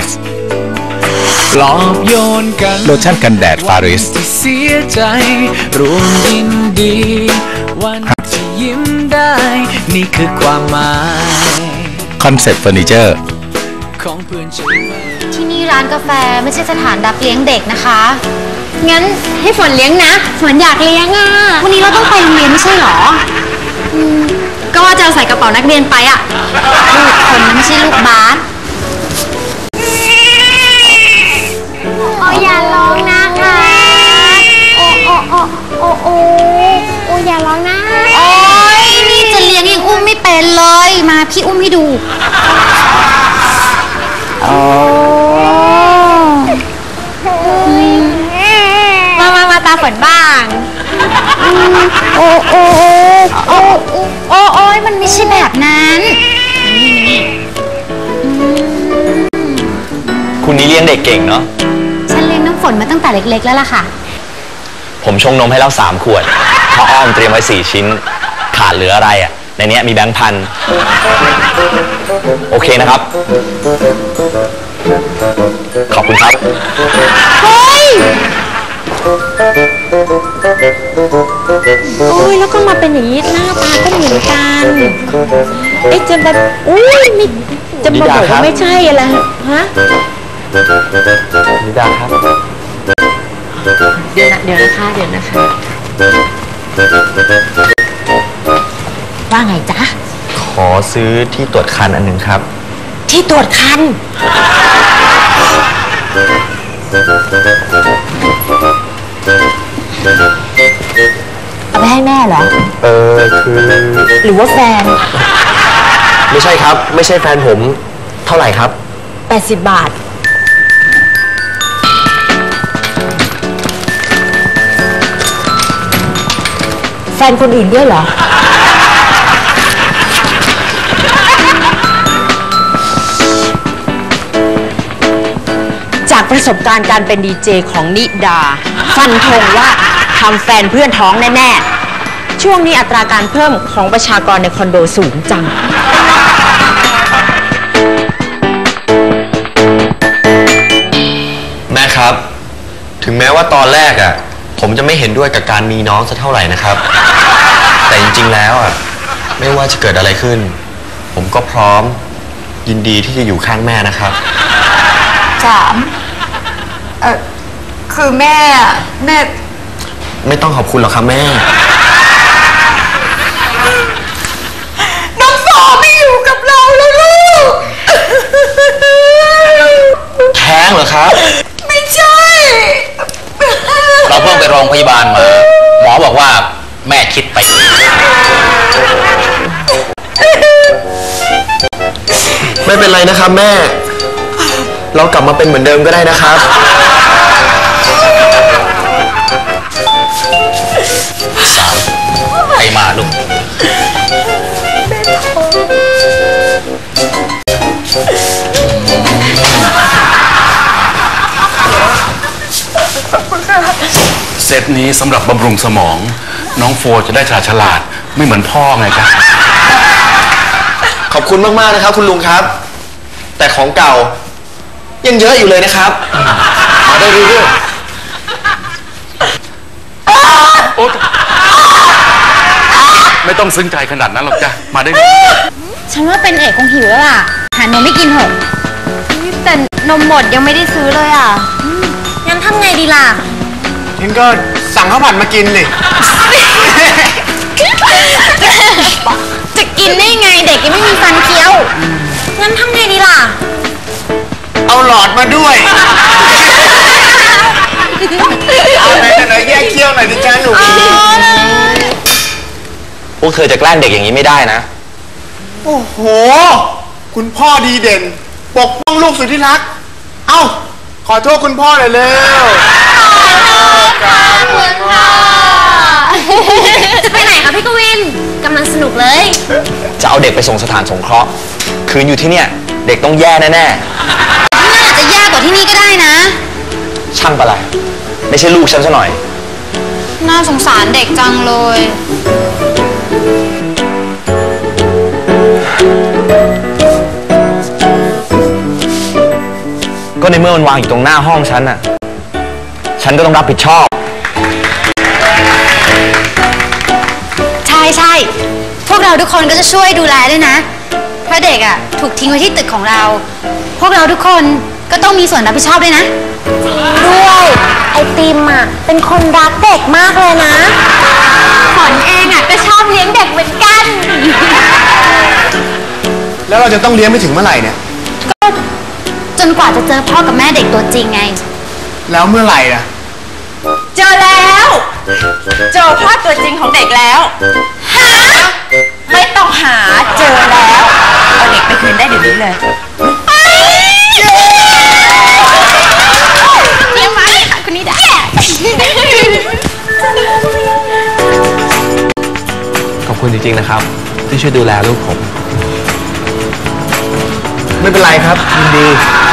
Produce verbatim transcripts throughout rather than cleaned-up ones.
Plus ปลอบโยนกันโลชั่นกันแดดฟาริสเสียใจรวมยินดีวันที่ยิ้มได้นี่คือความหมายคอนเซ็ปต์เฟอร์นิเจอร์ของเพื่อนฉันที่นี่ร้านกาแฟไม่ใช่สถานรับเลี้ยงเด็กนะคะงั้นให้ฝนเลี้ยงนะฝนอยากเลี้ยงอ่ะวันนี้เราต้องไปโรงเรียนไม่ใช่หรออืมก็ว่าจะใส่กระเป๋านักเรียนไปอ่ะลูกคนนั้นไม่ใช่ลูกบาสโอ้อย่าร้องนะคะโอ้โอ้โอ้โอ้โอ้โอ้อย่าร้องนะโอ้ยนี่จะเลี้ยงยังอุ้มไม่เป็นเลยมาพี่อุ้มให้ดูโอ้มามามาตาฝนบ้างโอ้โอ้โอ้โอ้โอ้โอ้ยมันไม่ใช่แบบนั้นคุณนี่เลี้ยงเด็กเก่งเนาะฉันเลี้ยงน้ำฝนมาตั้งแต่เล็กๆแล้วล่ะค่ะผมชงนมให้แล้วสามขวดข้าวอ้อมเตรียมไว้สี่ชิ้นขาดเหลืออะไรอ่ะในนี้มีแบงค์พันโอเคนะครับขอบคุณครับเฮ้ยโอ้ยแล้วก็มาเป็นอย่างนี้หน้าตาก็เหมือนกันไอ้จะแบบอุ้ยไม่จะมาบอกว่าไม่ใช่อะไรฮะนิดาครับเดี๋ยวนะเดี๋ยวนะคะเดี๋ยวนะคะว่าไงจ๊ะขอซื้อที่ตรวจคันอันหนึ่งครับที่ตรวจคันเอาไปให้แม่เหรอเออคือหรือว่าแฟนไม่ใช่ครับไม่ใช่แฟนผมเท่าไหร่ครับแปดสิบบาทแฟนคนอื่นด้วยเหรอจากประสบการณ์การเป็นดีเจของนิดาฟันธงว่าทำแฟนเพื่อนท้องแน่ๆช่วงนี้อัตราการเพิ่มของประชากรในคอนโดสูงจังแม่ครับถึงแม้ว่าตอนแรกอ่ะผมจะไม่เห็นด้วยกับการมีน้องสักเท่าไหร่นะครับแต่จริงๆแล้วอ่ะไม่ว่าจะเกิดอะไรขึ้นผมก็พร้อมยินดีที่จะอยู่ข้างแม่นะครับจามเออคือแม่แม่ไม่ต้องขอบคุณหรอกครับแม่น้องฟอไม่อยู่กับเราแล้วลูกแท้งเหรอครับไม่ใช่เราเพิ่งไปโรงพยาบาลมาหมอบอกว่าแม่คิดไปไม่เป็นไรนะครับแม่เรากลับมาเป็นเหมือนเดิมก็ได้นะครับสามใครมาลูกเซตนี้สำหรับบำรุงสมองน้องโฟจะได้ฉลาดฉลาดไม่เหมือนพ่อไงครับขอบคุณมากๆนะครับคุณลุงครับแต่ของเก่ายังเยอะอยู่เลยนะครับมาได้เรื่อยๆไม่ต้องซึ้งใจขนาดนั้นหรอกจ้ะมาได้ฉันว่าเป็นเอกคงหิวแล้วล่ะหานมไม่กินเถอะแต่นมหมดยังไม่ได้ซื้อเลยอ่ะงั้นทำไงดีล่ะงั้นก็สั่งข้าวผัดมากินเลยจะกินได้ไงเด็กยังไม่มีฟันเคี้ยวงั้นทำไงดีล่ะเอาหลอดมาด้วยเอาไหนไหนแยกเคี้ยวหน่อยดิจ้าหนูพวกเธอจะแกล้งเด็กอย่างนี้ไม่ได้นะโอ้โหคุณพ่อดีเด่นปกป้องลูกสุดที่รักเอ้าขอโทษคุณพ่อหน่อยเร็วขอบคุณค่ะจะไปไหนคะพี่กวินกำลังสนุกเลยจะเอาเด็กไปส่งสถานสงเคราะห์คืนอยู่ที่เนี่ยเด็กต้องแย่แน่ๆน่าจะแย่กว่าที่นี่ก็ได้นะช่างปะไรไม่ใช่ลูกฉันซะหน่อยน่าสงสารเด็กจังเลยก็ในเมื่อมันวางอยู่ตรงหน้าห้องฉันน่ะฉันก็ต้องรับผิดชอบใช่ใช่พวกเราทุกคนก็จะช่วยดูแลด้วยนะเพราะเด็กอ่ะถูกทิ้งไว้ที่ตึกของเราพวกเราทุกคนก็ต้องมีส่วนรับผิดชอบด้วยนะด้วยไอติมอ่ะเป็นคนรักเด็กมากเลยนะฝนเองอ่ะก็ชอบเลี้ยงเด็กเหมือนกันแล้วเราจะต้องเลี้ยงไปถึงเมื่อไหร่เนี่ยก็จนกว่าจะเจอพ่อกับแม่เด็กตัวจริงไงแล้วเมื่อไหร่ล่ะเจอแล้วเจอพ่อตัวจริงของเด็กแล้วหาไม่ต้องหาเจอแล้วเอาเด็กไปคืนได้เดี๋ยวนี้เลยเลี้ยงมาเลยค่ะคุณนิดาขอบคุณจริงๆนะครับที่ช่วยดูแลลูกผมไม่เป็นไรครับยินดี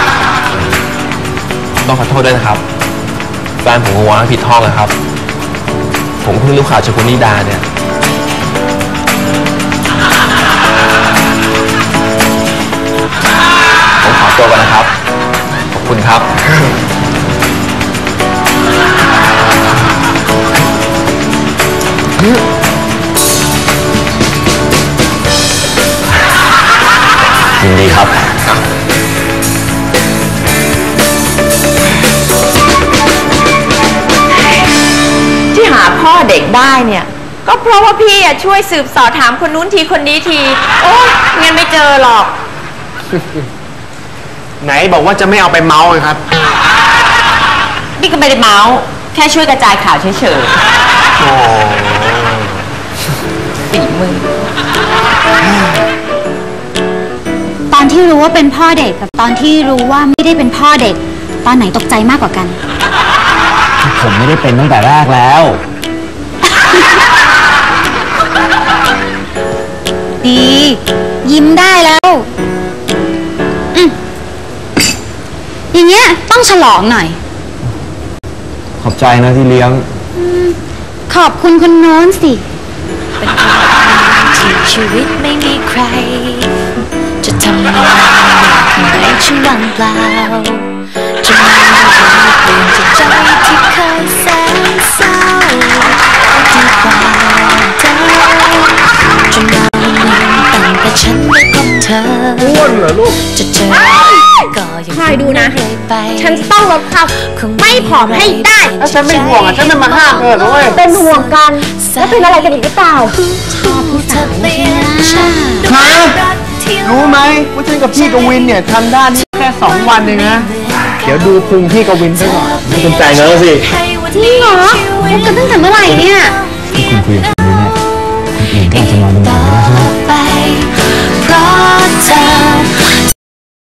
ต้องขอโทษด้วยนะครับแฟนผมคงวางผิดห้องนะครับผมเพิ่งรู้ข่าวจากคุณนิดาเนี่ยผมขอตัวก่อนนะครับขอบคุณครับยินดีครับที่หาพ่อเด็กได้เนี่ยก็เพราะว่าพี่อ่ะช่วยสืบสอบถามคนนู้นทีคนนี้ทีโอ้ยงั้นไม่เจอหรอกไหนบอกว่าจะไม่เอาไปเมาส์ครับพี่ก็ไม่ได้เมาส์แค่ช่วยกระจายข่าวเฉยๆโอ้ฝีมือตอนที่รู้ว่าเป็นพ่อเด็กกับตอนที่รู้ว่าไม่ได้เป็นพ่อเด็กตอนไหนตกใจมากกว่ากันผมไม่ได้เป็นตั้งแต่แรกแล้วดียิ้มได้แล้วอืมอย่างเงี้ยต้องฉลองหน่อยขอบใจนะที่เลี้ยงขอบคุณคนโน้นสิเป็นที่ชีวิตไม่มีใครจะทำอะไรให้ฉันว่างเปล่าจะไม่เปลี่ยนจากใจที่เคยแสนเศร้าที่ความเธอจนมาวันหนึ่งตั้งแต่ฉันได้พบเธออ้วนเหรอลูกจะเจอก็ยังคอยดูนะฉันต้องลดความไม่ผอมให้ได้แล้วฉันไม่ห่วงอ่ะฉันไม่มาห้ามเธอนะเว้ยเป็นห่วงกันแล้วเป็นอะไรกันอีกหรือเปล่าชอบผู้สาวใช่ไหมฮะรู้ไหมว่าฉันกับพี่กวินเนี่ยทำด้านนี้แค่สองวันเองนะเดี๋ยวดูพุงพี่กวินไปก่อนไม่สนใจเนอะสิจริงเหรอพบกันตั้งแต่เมื่อไหร่เนี่ย